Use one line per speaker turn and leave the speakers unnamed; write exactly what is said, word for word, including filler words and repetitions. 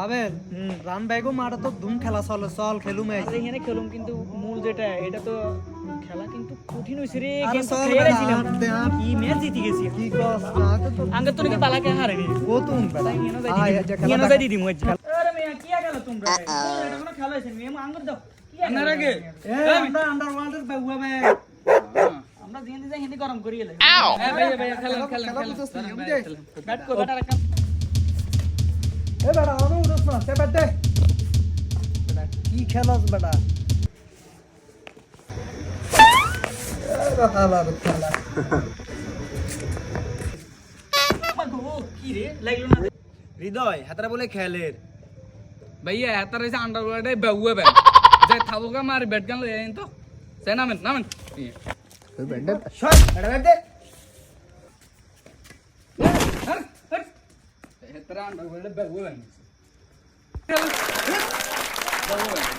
Abel run ব্যাগও মারা তো ধুম খেলা চলে চল খেলুম এই
আরে এখানে খেলুম কিন্তু মূল যেটা এটা তো খেলা কিন্তু কঠিন হইছে রে
আরে
কিন্তু
চল
খেলেছিলাম
বেটা, দে আর।
কি ম্যাচ জিতে গেছি
কি কস না তো তো
আঙ্গে তো নাকি পালাকে হারেনি
ও তুম বেটা
কেন যাই
আয়
দিদি
যে
কেন
খেলা
যাই দিদি মই আরে মেয়া কি গেল তোমরা এটা কোনো খেলা হইছে মেয়ে আঙ্গুর দাও কি আনার আগে
এ আমরা আন্ডারওয়ার্ল্ডের বাবু আমি
আমরা দিন দিন হিন্দি গরম করি এলে
এ ভাইয়া ভাইয়া খেলেন খেলেন
খেলা
খেলেন
বুঝছিস
খেলেন,
বুঝে
খেলেন।
ব্যাট কো ব্যাট রাখ
এ বেটা আমি উড়ছ না সে বেটে বেটা কি খেলাস বেটা এ খেলা রে খেলা
গো কি রে লাগলো না
হৃদয় হাতারা বলে খেলের
ভাইয়া এত রয়েছে আন্ডারওয়ার্ল্ডে বেউয়ে ব্যাট যে থাবুকা মার ব্যাট গান লই আইন তো সে নামেন নামেন
শট এটা ব্যাট দে
এত আন্ডারওয়ার্ল্ডে বেউয়ে ব্যাট